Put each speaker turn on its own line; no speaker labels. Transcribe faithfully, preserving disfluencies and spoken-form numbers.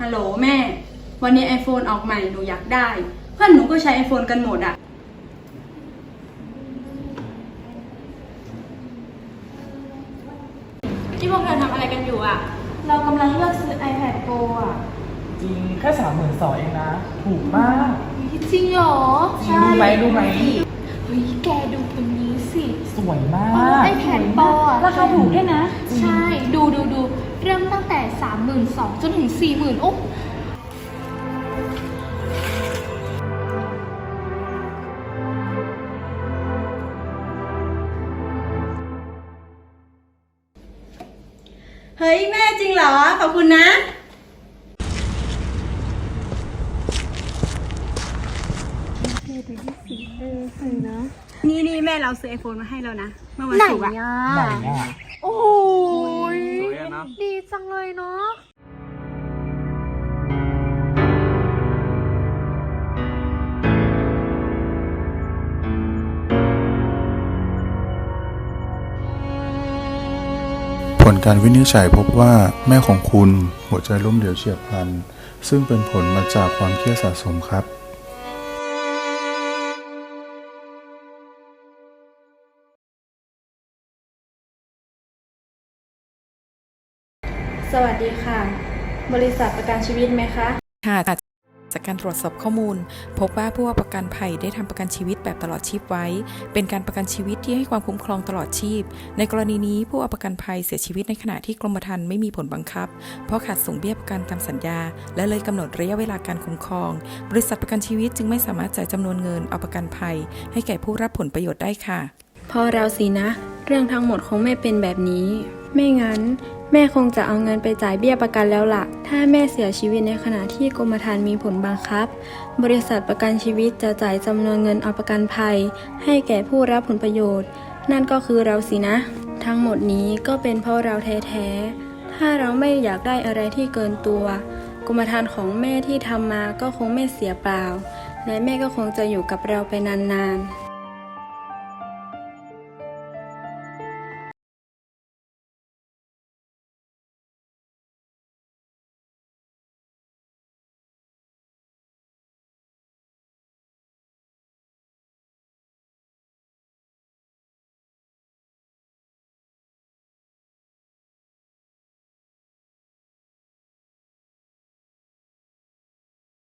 โหลแม่ วันนี้ iPhone ออกใหม่หนูอยากได้เพื่อนหนูก็ใช้ iPhone กันหมดอะที่พวกเธอทำอะไรกันอยู่อะเรากำลังเลือกซื้อ iPad Pro อะ
จริงแค่สามหมื่นสองเองนะ ถูกมาก
จริงเหรอ
จริงรู้ไหมรู้ไหม
เฮ้ยแกดูตัวนี้สิ
สวยมาก
ไอแผ่นปออะ
ราคาถูกด้วยนะ
ใช่ ดูดูดูเริ่มตั้งแต่สามหมื่นสองจนถึงสี่หมื่นโอ้
เฮ้ยแม่จริงเหรอขอบคุณนะนี่นี่แม่เราซื้อไอโฟนมาให้แล้วนะเมื่อวันศุกร์อะ
ไหนอ่ะ
โอ้ย
สวยอะนะ
ดีจังเลยเนาะ
ผลการวินิจฉัยพบว่าแม่ของคุณหัวใจล้มเหลวเฉียบพลันซึ่งเป็นผลมาจากความเครียดสะสมครับ
สวัสดีค่ะบริษัทประกันชีวิตไหมคะ
ค่ะจากการตรวจสอบข้อมูลพบว่าผู้ประกันภัยได้ทำประกันชีวิตแบบตลอดชีพไว้เป็นการประกันชีวิตที่ให้ความคุ้มครองตลอดชีพในกรณีนี้ผู้ประกันภัยเสียชีวิตในขณะที่กรมธรรม์ไม่มีผลบังคับเพราะขาดส่งเบี้ยประกันตามสัญญาและเลยกำหนดระยะเวลาการคุ้มครองบริษัทประกันชีวิตจึงไม่สามารถจ่ายจำนวนเงินเอาประกันภัยให้แก่ผู้รับผลประโยชน์ได้ค่ะ
พอเราสินะเรื่องทั้งหมดคงไม่เป็นแบบนี้ไม่งั้นแม่คงจะเอาเงินไปจ่ายเบี้ยประกันแล้วล่ะถ้าแม่เสียชีวิตในขณะที่กรมธรรม์มีผลบังคับบริษัทประกันชีวิตจะจ่ายจำนวนเงินเอาประกันภัยให้แก่ผู้รับผลประโยชน์นั่นก็คือเราสินะทั้งหมดนี้ก็เป็นเพราะเราแท้ๆถ้าเราไม่อยากได้อะไรที่เกินตัวกรมธรรม์ของแม่ที่ทำมาก็คงไม่เสียเปล่าและแม่ก็คงจะอยู่กับเราไปนานๆ